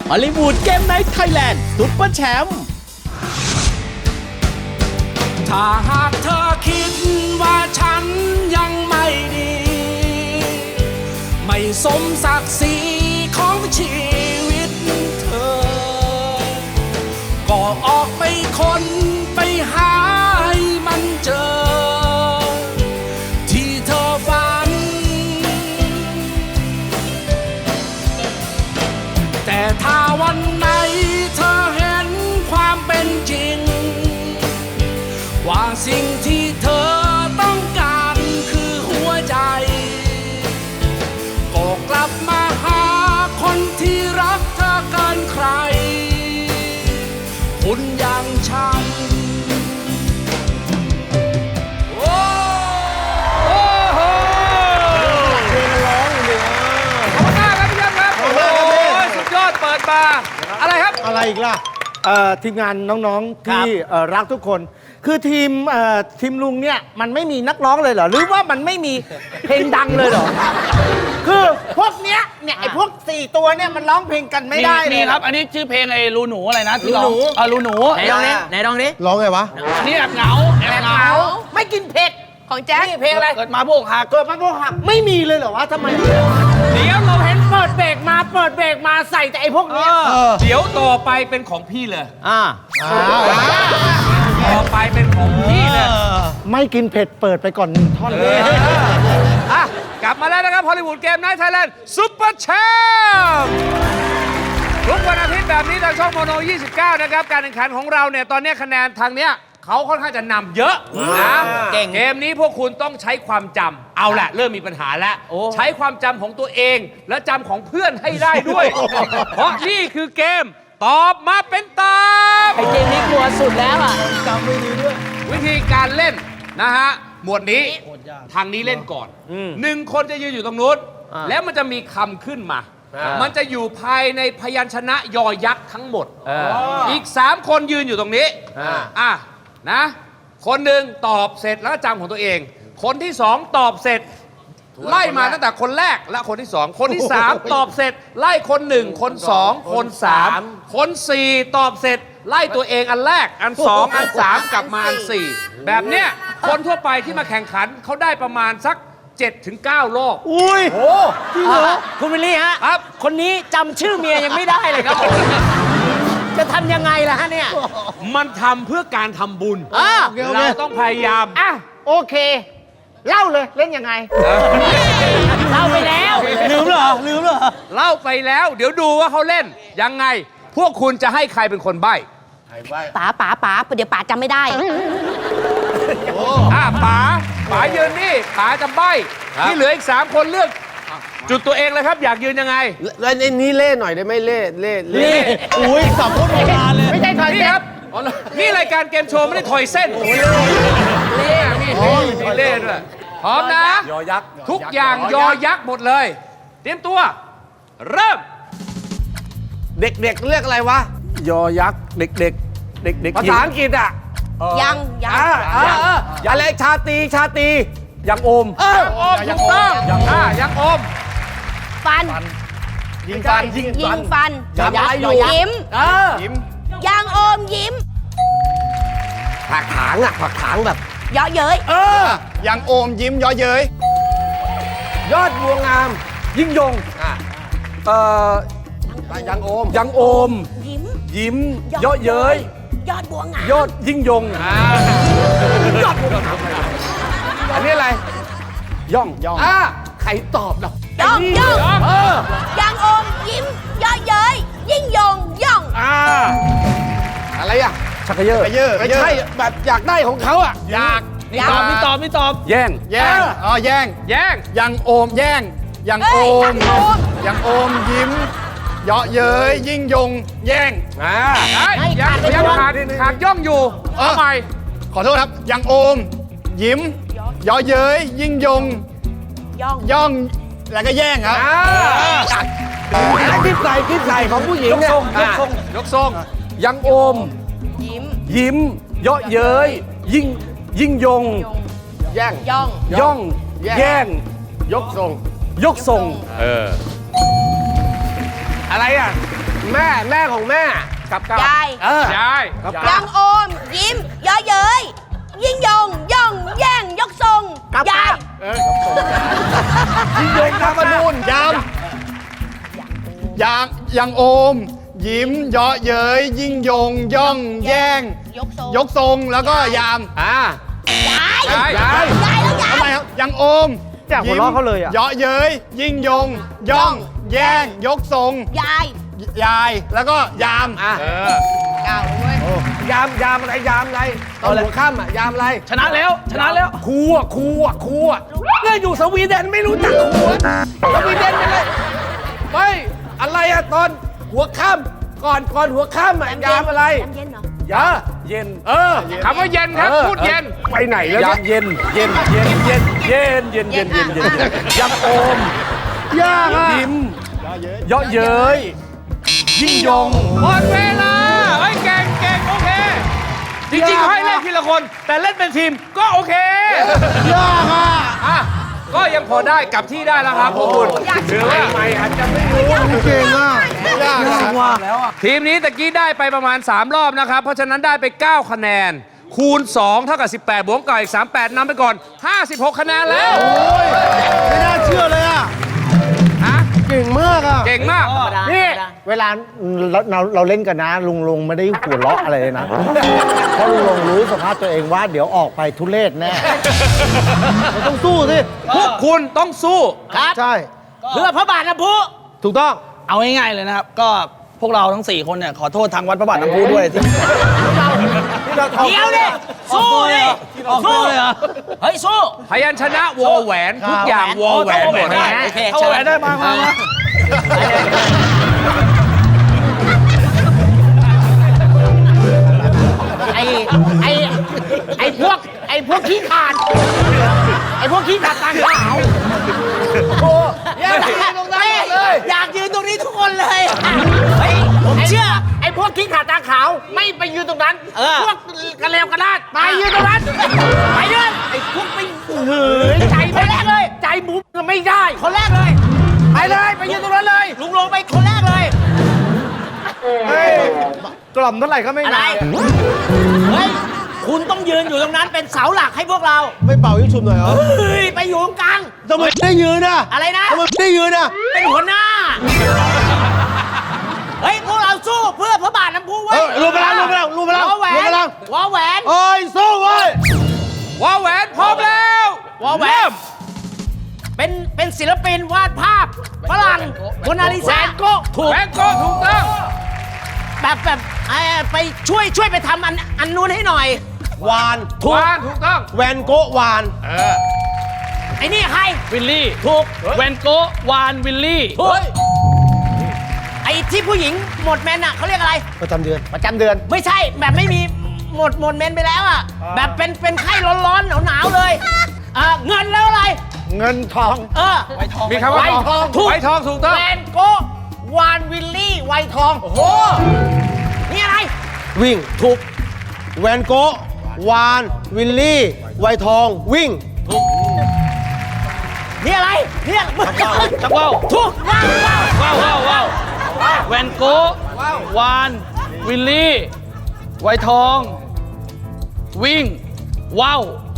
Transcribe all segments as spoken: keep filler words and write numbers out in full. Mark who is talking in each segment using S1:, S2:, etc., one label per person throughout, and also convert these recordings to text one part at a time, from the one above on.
S1: ฮอลลีวูดเกมไนท์ไทยแลนด์ซุปเปอร์แชมป์
S2: ถ้าหากเธอคิดว่าฉันยังไม่ดี ไม่สมศักดิ์ศรีของชีวิตเธอ ก็ออกไปค้นไปหาให้มันเจอ ที่เธอฝัน แต่ถ้าวันไหนเธอเห็นความเป็นจริง ว่าสิ่งที่เธอต้องการคือหัวใจ ก็กลับมาหาคนที่รักเธอเกินใครคุณอย่างฉันโอ้โหเพลงร้องอยู่ขอบคุณมากครับพี่ยักษ์ครับโอ้โหสุดยอดเปิดมาอะไรครับ
S3: อะไรอีกล่ะทีมงานน้องๆที่รักทุกคนคือทีมทีมลุงเนี่ยมันไม่มีนักร้องเลยเหรอหรือว่ามันไม่มีเพลงดังเลยเหรอคือพวกเนี้ยเนี่ยไอ้พวกสี่ตัวเนี่ยมันร้องเพลงกันไม่ได้เลย
S2: นี่ครับอันนี้ชื่อเพลงไอ้รูหนูอะไรนะที่ร้องเออรูหนู
S4: ไหนลองดิไหนลองดิ
S3: ร้องไงวะ
S2: อันนี้แอบเหงาแอบเหงา
S3: ไม่กินเผ็ด
S4: ของแจ๊ค
S3: นี่เพลงอะไร
S2: เกิดมาพวกหัก
S3: เกิดมาพวกหักไม่มีเลยเหรอวะทำไม
S2: เดี๋ยวเราเห็น
S3: เปิดเบรกมาเปิดเบรกมาใส่แต่ไอ้พวกเนี้ย
S2: เดี๋ยวต่อไปเป็นของพี่เลย
S4: อ่า
S2: ต่อไปเป็นของพี่เลย
S3: ไม่กินเผ็ดเปิดไปก่อนหนึ่งท่อนเลย
S2: อ่ะกลับมาแล้วนะครับฮอลลีวูดเกมไนท์ไทยแลนด์ซุปเปอร์แชมป์ทุกวันอาทิตย์แบบนี้ทางช่องโมโนยี่สิบเก้านะครับการแข่งขันของเราเนี่ยตอนนี้คะแนนทางเนี้ยเขาค่อนข้างจะนำเยอะนะเก่งเกมนี้พวกคุณต้องใช้ความจำเอาแหละเริ่มมีปัญหาแล้วใช้ความจำของตัวเองและจำของเพื่อนให้ได้ด้วย เพราะนี่คือเกมตอบมาเป็นตาม
S4: ไอเกมนี้กลัวสุดแล้วอ่ะ
S3: จำไม่ดีด้วย
S2: วิธีการเล่นนะฮะหมวดนี้ทางนี้เล่นก่อนหนึ่งคนจะยืนอยู่ตรงนู้นแล้วมันจะมีคำขึ้นมามันจะอยู่ภายในพยัญชนะยอยักษ์ทั้งหมดอีกสามคนยืนอยู่ตรงนี้อ่ะนะคนหนึ่งตอบเสร็จแล้วจำของตัวเองคนที่สองตอบเสร็จไล่มาตั้งแต่คนแรกและคนที่สองคนที่สามตอบเสร็จไล่คนหนึ่งคนสองคนสามคนสี่ตอบเสร็จไล่ตัวเองอันแรกอันสองอันสามกลับมาอันสี่แบบเนี้ยคนทั่วไปที่มาแข่งขันเขาได้ประมาณสักเจ็ดถึงเก้ารอบ
S3: อุ้ยโอ้จริงเหรอ
S4: คุณวิลลี่ฮะ
S2: ครับ
S4: คนนี้จำชื่อเมียยังไม่ได้เลยครับจะทำยังไงล่ะฮะเนี่ย
S2: มันทำเพื่อการทำบุญเราต้องพยายาม
S3: อ่ะโอเคเล่าเลยเล่นยังไง
S4: เล่าไปแล้ว
S3: ลืมเหรอลืมเหรอ
S2: เล่าไปแล้วเดี๋ยวดูว่าเขาเล่นยังไงพวกคุณจะให้ใครเป็นคนใบ้
S4: ป๋าป๋าป๋าเดี๋ยวป๋าจำไม่ได้
S2: อ่ะป๋าป๋ายืนนี่ป๋าจะใบ้ที่เหลืออีกสามคนเลือกจุดตัวเองเลยครับอยากยืนยังไง
S5: แล้วในนี้เล่หน่อยได้ไหมเล่เล่
S3: เล่อุ้ยสับพูดโบราณเลยไม่ใช่ถอย
S2: นี่ครับนี่รายการเกมโชว์ไม่ได้ถอยเส้นเล่มีเล่มีเล่ด้วยพร้อมนะ
S5: ยอยักษ์
S2: ทุกอย่างยอยักษ์หมดเลยเตรียมตัวเริ่ม
S5: เด็กๆเรียกอะไรวะยอยักษ์เด็กๆเด็กๆภาษาอังกฤษอ่ะ
S4: ยังยัง
S5: อะไรชาตีชาตียังโอม
S2: ยังโอมถูกต้องอ่ายังโอม
S4: ฟัน
S5: ยิงฟัน
S4: ยิงฟันยิ้ม
S5: ยิ้ม
S4: ยังโอมยิ้ม
S5: ผักถางอ่ะผักถางแบบ
S4: เยาะเย้ย
S5: เออยังโอมยิ้มเยาะเย้ยยอดบัวงามยิ่งยงอ่ะเอ่อยังโอมยังโอม
S4: ยิ้ม
S5: ยิ้มเยาะเย้ย
S4: ยอดบัวงาม
S5: ยอดยิ่งยงยอดบัวงามอันนี้อะไรย่องย่องอ่ะใครตอบล่ะ
S4: ย่องย่องเออยังโอมยิ้มเยาะเย้ยยิ่งยงย่อง
S5: อ่าอะไรอ่ะชักเยอะไม่ใช่แบบอยากได้ของเขาอ่ะ
S2: อยากนี่ตอบนี่ตอบนี่ตอบ
S5: แย่ง
S3: แย่งอ๋อแย่ง
S2: แย่ง
S3: ยังโอมแย่งยังโอมยังโอมยิ้มเยาะเย้ยยิ่งยงแย่ง
S5: อ่า
S2: ยังยังขาดขาดย่องอยู่ทำไม
S3: ขอโทษครับยังโอมยิ้มเยาะเย้ยยิ่งยง
S4: ย่อง
S3: ย่องแล้วก็แย่งครับ
S5: คิดใส่คิดใส่ของผู้หญิงเนี่ย
S2: ยกทรงยกทรง
S5: ยังโอม
S4: ยิ้ม
S5: ยิ้มเยาะเย้ยยิ่งยิ่งยงแย่ง
S4: ย่อง
S5: ย่องแย่งยกทรงยกทรง
S2: เอออะไรอ่ะ
S5: แม่แม่ของแม่กับกับ
S4: ยาย
S5: เออย
S2: าย
S4: ยังโอม ยิ้มเย่อเย้ยยิ่งยง ย่อง แย่ง ยกทรงยาย
S5: ยิ่งยงนามนูนยาม
S6: ยังยังโอม ยิ้มเยาะเย้ยยิ่งยง ย่อง แย่ง
S4: ยกทรง
S6: ยกทรงแล้วก็ยาม
S5: อ่าย
S4: าย
S2: ยาย
S4: ยายแล้วยาย
S6: ทำไมครับยังโอม
S3: อยากหัวเราะเขาเลยอะ
S6: เยาะเย้ยยิ่งยง ย่อง แย่ง ยกทรง
S4: ยาย
S6: ยายแล้วก็ยาม
S5: อ่ะ
S2: เออ
S4: ก้าวเลยเว้ย
S5: ยามยามอะไรยามอะไรตอนหัวค่ำอ่ะยามอะไร
S7: ชนะแล้วชนะแล้ว
S5: ครูอ่ะครูอ่ะครูอ่ะเนี่ยอยู่สวีเดนไม่รู้จักครูอ่ะสวีเดนเป็นไรไม่อะไรอ่ะตอนหัวค่ำก่อนก่อนหัวค่ำอ่ะยามอะไร
S4: น้ำเย็นเหรอ
S5: ยาเย็นเออ
S2: คำว่าเย็นครับ พูดเย็น
S5: ไปไหนแล้วเนี่ยเย็นเย็นเย็นเย็นเย็นเย็นเย็นเย็นเย็นยำโอม
S3: ยากอะ
S5: ยิ้มเยาะเย้ยยิ่งยง
S2: หมดเวลาเฮ้ยเก่งเก่งโอเค จริงๆเขาให้เล่นทีละคน แต่เล่นเป็นทีมก็โอเค
S3: ยากอะ
S2: อ่ะ ก็ยังพอได้กลับที่ได้แล้วครับพวกคุณถือว่า
S5: ใหม่อาจจะไม่รู้
S3: เก่งอะ
S6: ยากนะ
S3: ว่า
S2: ทีมนี้ตะกี้ได้ไปประมาณ สาม รอบนะครับ เพราะฉะนั้นได้ไป เก้า คะแนน คูณ สอง เท่ากับ สิบแปด บวกกับอีก สามสิบแปดนำไปก่อน ห้าสิบหก คะแนนแล้ว
S3: ไม่น่าเชื่อเลยอะ
S2: ฮะ
S3: เก่งมากอะ
S2: เก่งมาก
S3: นี่เวลาเราเราเราเล่นกันนะ ลุงลุงไม่ได้หัวเราะอะไรเลยนะ เพราะลุงลุงรู้สภาพตัวเองว่าเดี๋ยวออกไปทุเรศแน่เราต้องสู้สิ
S2: พวกคุณต้องสู้
S7: ครับ
S3: ใช่
S7: เพื่อพระบาทน้ำพุ
S3: ถูกต้อง
S7: เอาง่ายๆเลยนะครับ ก็พวกเราทั้งสี่คนเนี่ยขอโทษทางวัดพระบาทน้ำพุด้วยที่
S3: เดี๋ยวดิ
S7: สู้ดิสู้เลยเหรอเฮ้ยสู้
S2: พยัญชนะวอแหวน ทุกอย่างวอแหวนหมด
S7: ได้โอเคเข้าแหวนได้มามามา
S3: ไอ้ไอ้ไอ้พวกไอ้พวกขี้ขาดไอ้พวกขี้ขาดตาขาวโอ้ยอยากยืนตรงนั้นเลยอยากยืนตรงนี้ทุกคนเลยเฮ้ยผมเชื่อไอ้พวกขี้ขาดตาขาวไม่ไปยืนตรงนั้นพวกกระเลวกระลาดไปยืนตรงนั้นไปยืนไอ้พวกไปเหือใจคนแรกเลยใจบุ้มก็ไม่ได้คนแรกเลยไปเลยไปยืนตรงนั้นเลยลุงลงไปคนแรกเลยกล่อมเท่าไหร่ก็ไม่
S7: อะไร เฮ้ย คุณต้องยืนอยู่ตรงนั้นเป็นเสาหลักให้พวกเรา
S3: ไม่เป่ายิ่งชุบหน่อยเหรอ
S7: เฮ้ย ไปอยู่ตรงกลาง
S3: ทำไมได้ยืนอ่ะ
S7: อะไรนะ
S3: ทำไมได้ยืนอ่ะ
S7: เป็นหัวหน้า เฮ้ย พวกเราสู้เพื่อพระบาทน้ำพุไว้
S3: เออรวมพลังรวมพลังรวมพลัง
S7: วอแหวน
S3: รวมพลัง
S7: วอแหวน
S3: เอ้ยสู้เว้ยว
S2: อแหวนพร้อมแล้ว
S7: วอแหวน เป็นเป็นศิลปินวาดภาพฝรั่งโมนาลิซาก็ถูก
S2: แบงโก้ถูกต้อง
S7: แบบแบบเอ่อไปช่วยช่วยไปทำอันอันนู้นให้หน่อย
S3: วาน
S2: ถูกถูกต้อง
S3: แวนโกะวาน
S7: ไอ้นี่ใคร
S8: วิลลี่
S7: ถูก
S8: แวนโกะวานวิลลี่
S7: ถูกไอ้ที่ผู้หญิงหมดแมนอะเขาเรียกอะไร
S3: ประจำเดือนประจำเดือน
S7: ไม่ใช่แบบไม่มีหมดหมดเมนไปแล้วอ่ะแบบเป็นเป็นไข้ร้อนๆหนาวๆเลยอ่าเงินแล้วอะไร
S3: เงินทอง
S7: เออ
S2: มีคำว่า
S7: ไวทอง
S2: ไวทองถูกต้อง
S7: แวนโกะวานวิลลี่ไวทอง โอ้โห นี่อะไร
S3: วิ่งถูกแวนโกะวานวิลลี่ ไวทอง วิ่ง
S7: นี่อะไรเนี่ย
S8: ชักว่าว
S7: ถูกว้าวว้าว
S8: ว้าวว้าวว้าวแวนโกะวานวิลลี่ ไวทอง วิ่ง ว้าว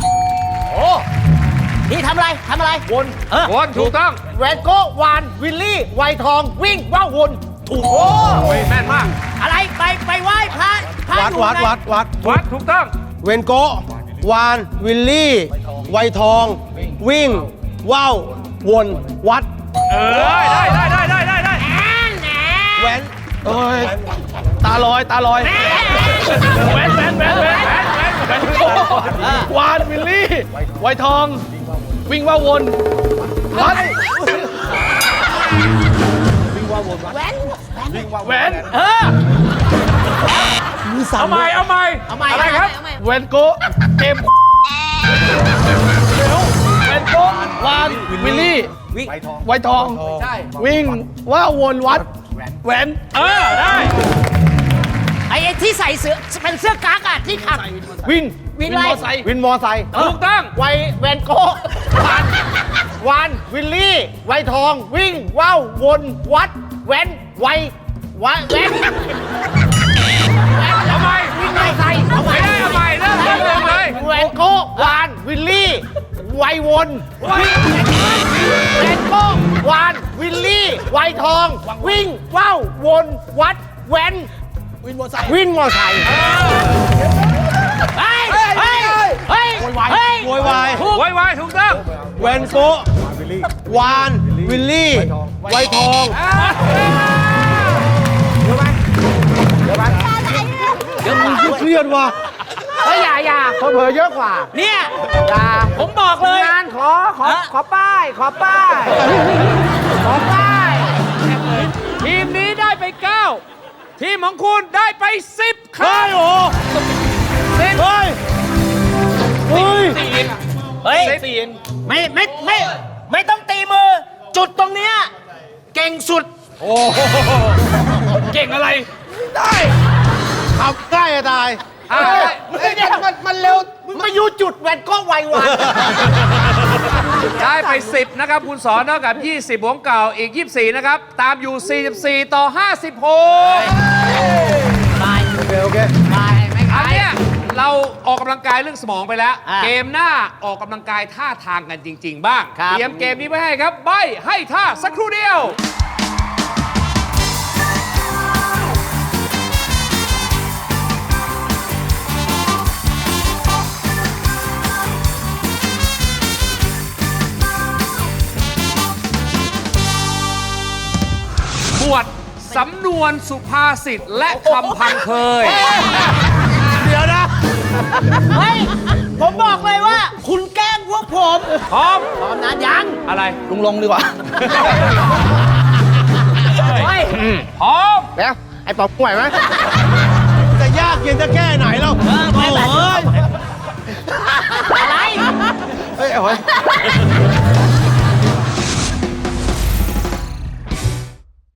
S7: นี่ทำอะไรทำอะไรวนเออ
S2: วนถูกต้อง
S7: แวนโกะวานวิลลี่ ไวทอง วิ่งว้าววนถูกโอ้
S2: โอ้ยแม่นมาก
S7: อะไรไปไปไหว้พระพระ
S3: วัด
S7: อยู่
S3: วัด
S7: ใน
S3: วัดวัด
S2: วัดถูกต้อง
S3: เวนโกะวาน วิลลี่ ไวทอง วิ่ง ว่าววน วัด
S2: เออ ได้ได้ได้ได้ได้ได้
S3: แวน
S8: เอ้ย ตาลอย ตาลอย แวนแวนแวนแวนแวนแวนโกะวานวิลลี่ ไวทอง วิ่งว่าวนวัด
S7: แวน
S8: แวน
S7: เออ
S2: เอาใหม่เอาใหม่
S7: เอาใหม่
S2: อะไรครับ
S7: เอาใหม่
S8: แวนโกะเต็มแวนโกะวานวิลลี่ ไวทอง วิ่งว่าวนวัด แหวน
S2: เออ ได้
S7: ไอ้ไอ้ที่ใส่เสื้อเป็นเสื้อกั๊กอะที่ขับ
S3: วิน
S7: วินอะไร
S8: มอไซค์
S3: วินมอไซค์
S2: ถูกต้อง
S3: ไวแวนโกะวานวาน วิลลี่ ไวทอง วิ่ง ว่าววน วัด แวน ไววะแวน
S2: ทำไม
S3: วิ่งไล่ใส่เอา
S2: ไม่ได้ทำไมเริ่มเริ่มเริ่มเลย
S3: แวนโก้วานวิลลี่ไววนแวนโก้วานวิลลี่ไวทอง วิ่งว่าววนวัดแวนวินมอไซค์วินมอไซค์
S7: เฮ้ย เฮ้ย เฮ้ย เฮ้ย
S6: โวยวาย
S2: โวยวายถูกต้อง
S6: แวนโกะวาน วิลลี่ ไวทอง เครียดว่ะ
S3: เฮ้ยอย่าอย่าเผลอๆเยอะกว่า
S7: เนี่ย
S3: อย่า
S7: ผมบอกเลย
S3: งานขอขอขอป้าย ขอป้าย ขอป้าย
S2: ทีมนี้ได้ไป เก้า ทีมของคุณได้ไป สิบครั้ง
S6: โอ้
S2: สิบ
S6: เฮ้ย เฮ้ย
S7: เฮ้ย ไม่ไม่ไม่ ไม่ต้องตีมือ จุดตรงเนี้ยเก่งสุด
S2: เก่งอะไร
S6: ขับใกล้จะตาย
S2: อ่ะ
S3: เฮ้ยมันมันเร็ว มึงไปยูจุดแวนโก้ไววัน
S2: ได้ไป สิบ นะครับคุณสอนเท่ากับ ยี่สิบของเก่าอีก ยี่สิบสี่ นะครับ ตามอยู่ สี่สิบสี่ ต่อ ห้าสิบหก
S6: โอเค โอเค
S2: อันเนี้ยเราออกกำลังกายเรื่องสมองไปแล้ว
S7: อ่ะ
S2: เกมหน้าออกกำลังกายท่าทางกันจริง ๆ บ้าง
S7: ครับ
S2: เตรียมเกมนี้ไว้ให้ครับ ใบให้ท่าสักครู่เดียว บวชสำนวนสุภาษิตและคำพังเคย
S3: เดี๋ยวนะ
S7: เฮ้ย ผมบอกเลยว่า คุณแกล้งพวกผม
S2: พร้อม
S7: พร้อมนะยัง
S2: อะไร
S8: ลุงลงดีกว่า
S7: เฮ้ย
S2: พร้อม
S3: แล้ว ไอ้ป๋องไหวไหม
S6: จะยากเย็นจะแค่ไหนเรา
S7: เออไม่เป็นไรอะไร
S6: เฮ้ยเอาไว้